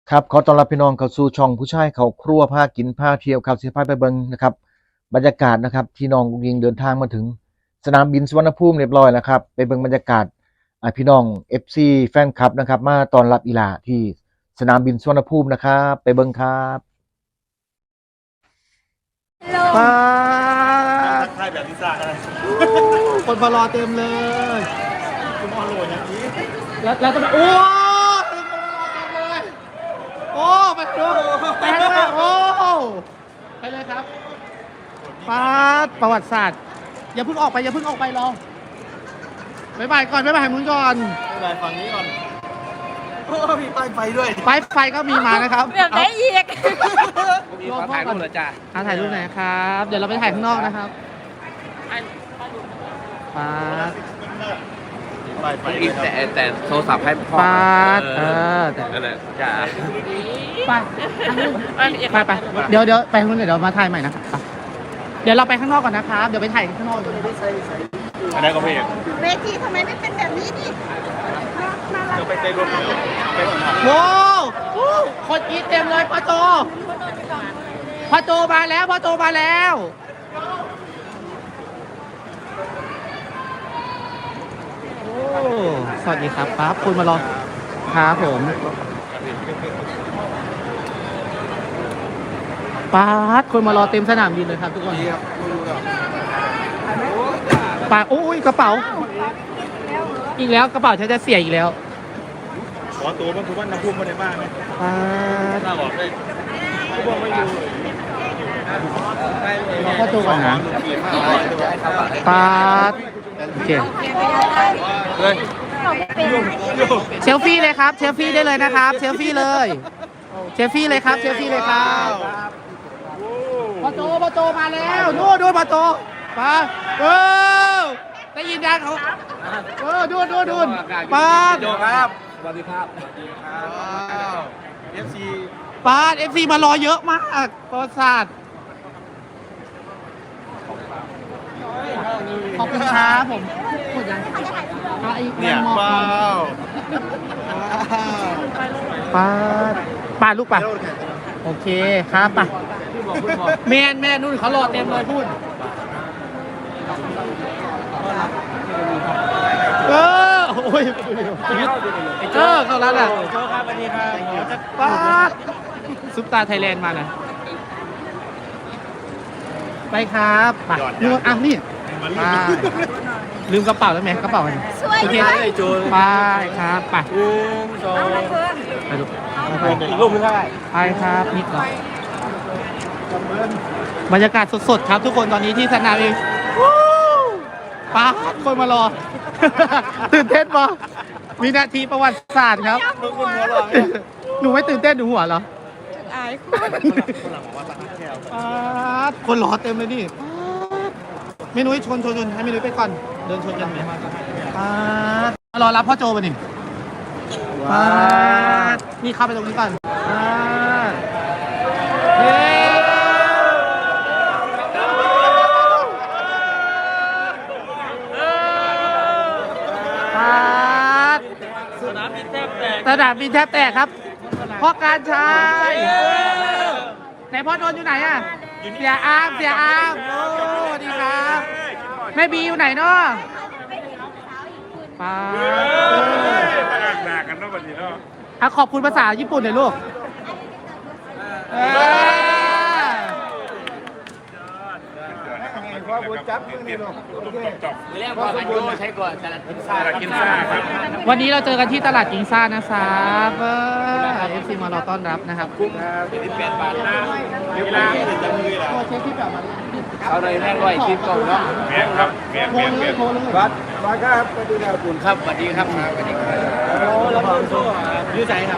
ครับขอต้อนรับพี่น้องเข้าสู่ช่องผู้ชายเข้าครัวพากินพาเที่ยวครับสิพาไปเบิ่งนะครับบรรยากาศนะครับที่น้องอุ๊งอิงเดินทางมาถึงสนามบินสุวรรณภูมิเรียบร้อยแล้วครับไปเบิ่งบรรยากาศพี่น้อง FC แฟนคลับนะครับมาต้อนรับอีหลาที่สนามบินสุวรรณภูมินะครับไปเบิ่งครับป้าทักทายแบบลิซ่ากันเลยคนมารอเต็มเลยคุณออนโหลดอย่างนี้แล้วก็โอ้โอ้ไปดูไปเลยโอ้ไปเลยครับป้าประวัติศาสตร์อย่าเพิ่งออกไปอย่าเพิ่งออกไปรอบ๊ายบายก่อนบ๊ายบายมึงก่อนไปฝั่งนี้ก่อนโอ้มีป้ายไฟด้วยป้ายไฟก็มีมานะครับแบบไหนอีกมีขอถ่ายรูปเหรอจ๊ะถ่ายรูปไหนครับเดี๋ยวเราไปถ่ายข้างนอกนะครับป้าอีกแต่โทรศัพท์ให้พ่อป้าแต่นั่นแหละจ้าไปเดี๋ยวไปข้างนู้นเดี๋ยวมาถ่ายใหม่นะเดี๋ยวเราไปข้างนอกก่อนนะครับเดี๋ยวไปถ่ายข้างนอกอันนั้นก็พี่เวทีทำไมไม่เป็นแบบนี้ดิเดี๋ยวไปเต้นรวมโว้คนกรี๊ดเต็มเลยพ่อโจมาแล้วพ่อโจมาแล้วสวัสดีครับป๊าบคุณมารอครับผมป๊าบคนมารอเต็มสนามบินเลยครับทุกคนป๊าโอ้ยกระเป๋าอีกแล้วกระเป๋าฉันจะเสียอีกแล้วขอตัวมันคือว่าน้ำพุ่มมาในบ้านไหมป๊าบน่าบอกได้ผู้บอกไม่อยู่รอพ่อโจก่อนนะป๊าบโอเคเชลฟี่เลยครับเชลฟี่ได้เลยนะครับเชลฟี่เลยเชลฟี่เลยครับเชลฟี่เลยครับพ่อโจมาแล้วนู่นพ่อโจมาได้ยินยังเขาดูป้าโจครับสวัสดีครับFC ป้า FC มารอเยอะมากประวัติศาสตร์ขอบคุณครับผมหมดยังเนี่ยว้าวป้าลูกป้าโอเคครับป้าแม่นู่นเขารอเต็มเลยพูดโอ้ยเข้าร้านอ่ะโจครับสวัสดีครับป้าซุปตาไทยแลนด์มาหน่อยไปครับไปนู่นนี่ลืมกระเป๋าแล้วไหมกระเป๋ามันโอเคไปครับไปไปดูอีกรูปนึงได้ไปครับนิดหน่อยบรรยากาศสดๆครับทุกคนตอนนี้ที่สนามบินป้าคนมารอตื่นเต้นปะวินาทีประวัติศาสตร์ครับหนูไม่ตื่นเต้นหนูหัวเหรออายคนรอเต็มเลยนี่เมนุ้ยชนให้เมนุ้ยไปก่อนเดินชนกันไหมรอรับพ่อโจไปนี่นี่เข้าไปตรงนี้ก่อนสนามบินแทบแตกครับพ่อการชัยไหนพ่อโดนอยู่ไหนอ่ะเสียอามโอ้ดีครับแม่บีอยู่ไหนเนาะป้าหนักกันเนาะวันนี้เนาะขอบคุณภาษาญี่ปุ่นหน่อยลูกวันนี้เราเจอกันที่ตลาดกิงซ่านะครับFC มารอต้อนรับนะครับ 28 บาทนะเวลาตัวเช็คที่แบบมาเอาเลยแม่ร้อยคลิปก่อนเนาะแม่ครับแม่วัดครับสวัสดีครับคุณครับสวัสดีครับสวัสดีครับโอ้แล้วก็ยืดใจครับ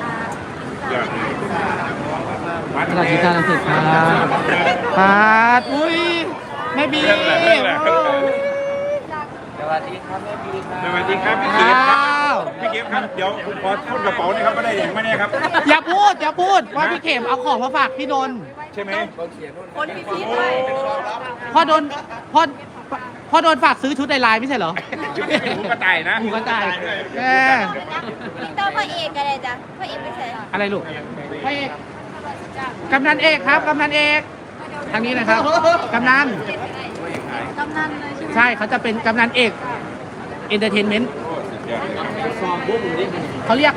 ตลาดกิงซ่าลังสิตครับปาดอุ้ยแม่บีสวัสดีครับแม่บีครับสวัสดีครับพี่เก็บครับเดี๋ยวขอพูดกระเป๋านี่ครับไม่ได้อย่างไม่แน่ครับอย่าพูดว่าพี่เข็มเอาของมาฝากพี่นนท์ใช่ไหมคนพิธีด้วยพ่อโดนพ่พ่อโดนฝากซื้อชุดในไลน์ไม่ใช่เหรอชุดนี้เป็นหมูกระต่ายนะหมูกระต่ายแม่พี่ต้อพระเอกอะไรจ้ะพระเอกไม่ใช่อะไรลูกพระเอกกำนันเอกครับกำนันเอกทางนี้นะครับกำนันกำนันเลยใช่ไหมใช่เขาจะเป็นกำนันเอกเอนเตอร์เทนเมนต์เขาเรียก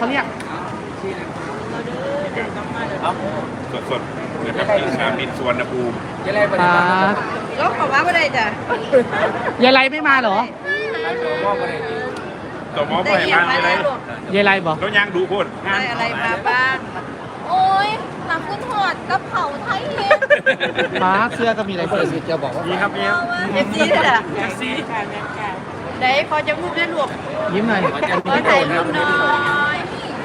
สดๆนะครับที่สนามบินสุวรรณภูมิอ่าก็ขอว่าอะไรจ้ะยายไรไม่มาเหรอตัวหมอไปบ้านอะไรยายไรบอกแล้วยังดูพูดได้อะไรมาบ้าง โอ้ยหนังคุณหอดกระเผาไทยเฮ็ดฟ้าเสื้อก็มีอะไรเสื้อจะบอกว่ามีครับมีเอฟซีเลยล่ะเอฟซีไหนพอจะรูปได้ลูกยิ้มหน่อยขอถ่ายรูปหน่อย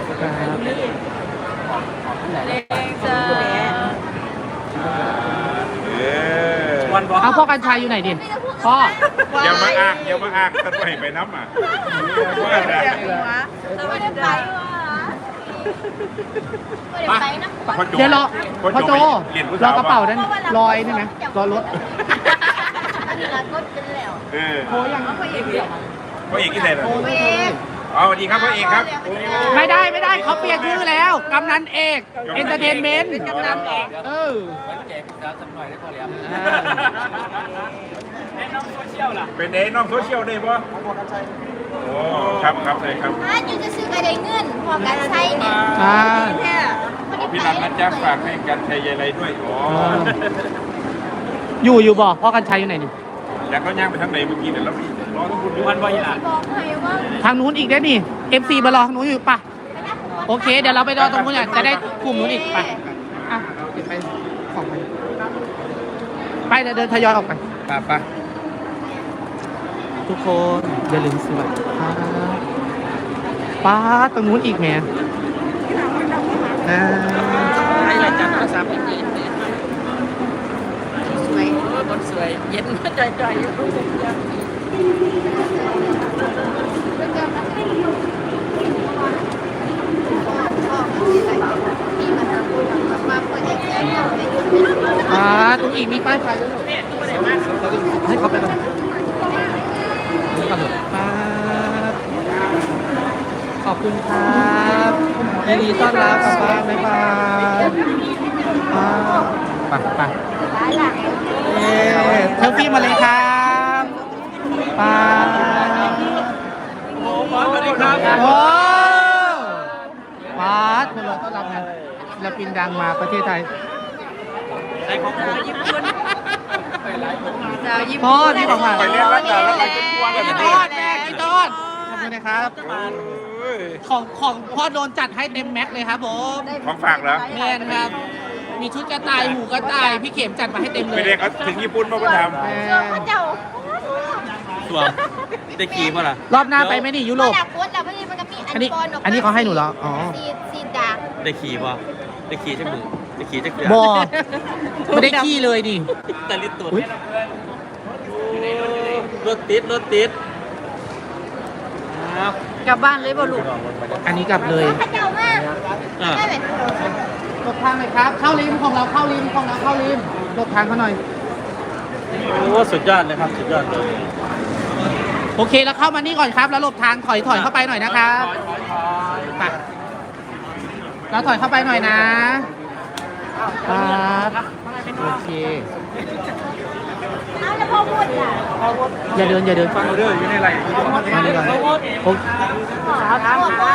เล็กจ้าเอาพ่อกัญชัยอยู่ไหนดิพ่ออย่ามาอ้างกันไปน้ำอ่ะว่าอะไรเราไม่ได้ไปว่ะไม่ได้ไปนะเดี๋ยวรอพ่อโจรอกระเป๋านั้นรอยนี่ไหมรอรถอันนี้ละก็เป็นแล้วโทรยังพระเอกเดียวพ่อเอกที่ไหนล่ะพระเอกอ๋อสวัสดีครับพ่อเอกครับไม่ได้เขาเปลี่ยนชื่อแล้วกำนันเอกเอนเตอร์เทนเมนต์กำนันเอกเออเป็นเด้น้องโซเชียลได้ปะโอ้ครับเลยครับถ้าอยู่จะซื้อกระไดเงินพอการใช้เนี่ยอ่าแค่ขอพี่นันนะจ๊ะฝากให้กันชัยอะไรด้วยอ๋ออยู่บ่พ่อกัญชัยอยู่ไหนนี่อยากเขาย่างไปทางไหนเมื่อกี้เดี๋ยวเรารอต้องคุณดูวันวายอ่ะบอกให้ว่าทางนู้นอีกได้นี่ MC มารอทางนู้นอยู่ปะโอเค เดี๋ยวเราไปรอตรงนู้นอ่ะจะได้กลุ่มนู้นอีกปะอ่ะเก็บไปของไปเดี๋ยวเดินทยอยออกไปไปทุกคนอย่าลืมสวัสดีครับป้าตรงนู้นอีกแหมให้รายการโทรศัพท์อีกสวยคนสวยเย็นใจอยู่ตรงอีกมีป้ายไฟด้วยให้เขาไปก่อนขอบคุณครับยินดีต้อนรับกลับบ้านบ๊ายบายไปเทลฟี่มาเลยครับไปสวัสดีครับโอ้ป้าคนเราต้อนรับงานศิลปินดังมาประเทศไทยพ่อที่บอกว่าไปเรียนรักษาแล้วไปจนกวนกันพี่เลต้ยนแม่พี่ต้นขอบคุณนะครับ ของพ่อโดนจัดให้เต็มแม็กเลยครับผมของฝากเหรอแม่นะครับ มีชุดกระต่ายหมูกระต่ายพี่เข็มจัดมาให้เต็มเลไม่ยได้เขาถึงญี่ปุ่นมาประทแม่พระเจ้าตัวได้ขี่ป่ะล่ะรอบหน้าไปไหมนี่ยุโรปอยากโพสต์แล้วพอดีมันก็มีอันนี้เขาให้หนูเหรออ๋อซีดาได้ขี่ป่ะได้ขี่จักมือได้ขี่จักเดือนบอไม่ได้ขี้เลยดิแต่ลิตรตัวอุ๊ยรถติดอ้าวกลับบ้านเลยบ่ลูกอันนี้กลับเลยพระเจ้ามากอ่ะได้ไหมหลบทางหน่อยครับ เข้าริมของเราเข้าริมหลบทางเขาหน่อยโอ้สุดยอดเลยครับสุดยอดเลยโอเคแล้วเข้ามานี่ก่อนครับ แล้วหลบทางถอยเข้าไปหน่อยนะครับไปเราถอยเข้าไปหน่อยนะครับโอเคเอาแล้วพ่อพูดอ่ะอย่าเดินำฟังเรื่องอยู่ในไรมาดีก่อนโอ้พ่อพ่อพ่อ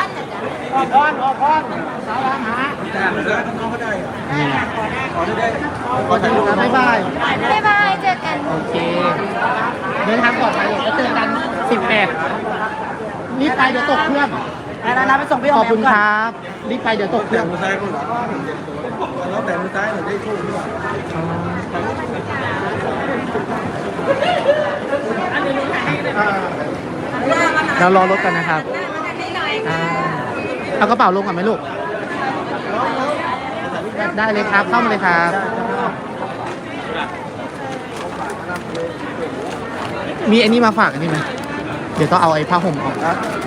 นี่ขอถ่ายรูปนะบ๊ายบายบ๊ายบายเจอกันโอเค เดินทางปลอดภัยแล้วเจอกัน 18รีบไปเดี๋ยวตกเครื่องไปส่งพี่ขอบคุณครับรีบไปเดี๋ยวตกเครื่องแล้วแต่มือซ้ายหนูได้คู่ด้วยเรารอรถกันนะครับเอากระเป๋าลงก่อนไหมลูก ได้เลยครับ เข้ามาเลยครับ มีอันนี้มาฝากอันนี้ไหมเดี๋ยวต้องเอาไอ้ผ้าห่มออก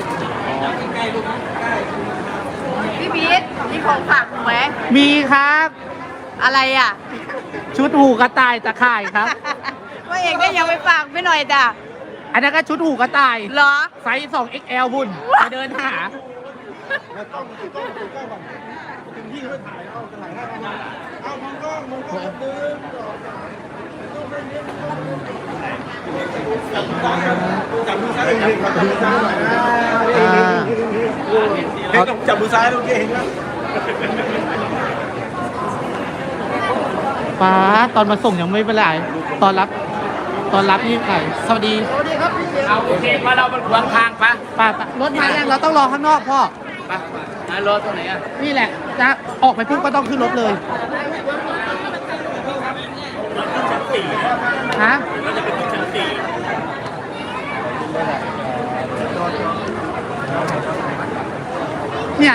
พี่พีทมีของฝากหนูไหมมีครับอะไรอ่ะชุดหูกระต่ายตะข่ายครับว่าเองก็ยังไปฝากไม่หน่อยจ้ะอันนั้นก็ชุดหูกระต่ายเหรอไซส์ 2XL บุญไปเดินหาจับมือซ้ายลูกเก่งนะป้าตอนมาส่งยังไม่เป็นไรตอนรับนี่ใครสวัสดีเอาโอเคมาเราเป็นขวางทางปะป้ารถมายังเราต้องรอข้างนอกพ่อปะรถตรงไหนอ่ะนี่แหละจะออกไปปุ๊บก็ต้องขึ้นรถเลยฮะเนี่ย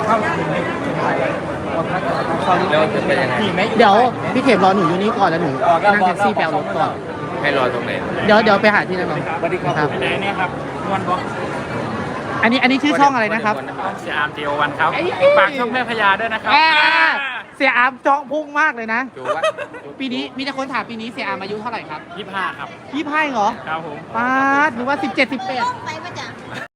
แล้วจะเป็นยังไงเดี๋ยวพี่เข็มรอหนูอยู่นี่ก่อนแล้วหนูนั่งแท็กซี่แปลรถก่อนให้รอตรงไหนเดี๋ยวไปหาที่นั่นก่อนสวัสดีครับไหนเนี่ยครับวันบอกอันนี้ชื่อช่องอะไรนะครับเสียอาร์มเจโอวันครับฝากช่องแม่พญาด้วยนะครับเสียอามจ้องพุ่งมากเลยนะดูว่าปีนี้มีแต่คนถามปีนี้เสียอามอายุเท่าไหร่ครับ 25ครับ 25เหรอครับผมป้าดหรือว่า17 18 ไป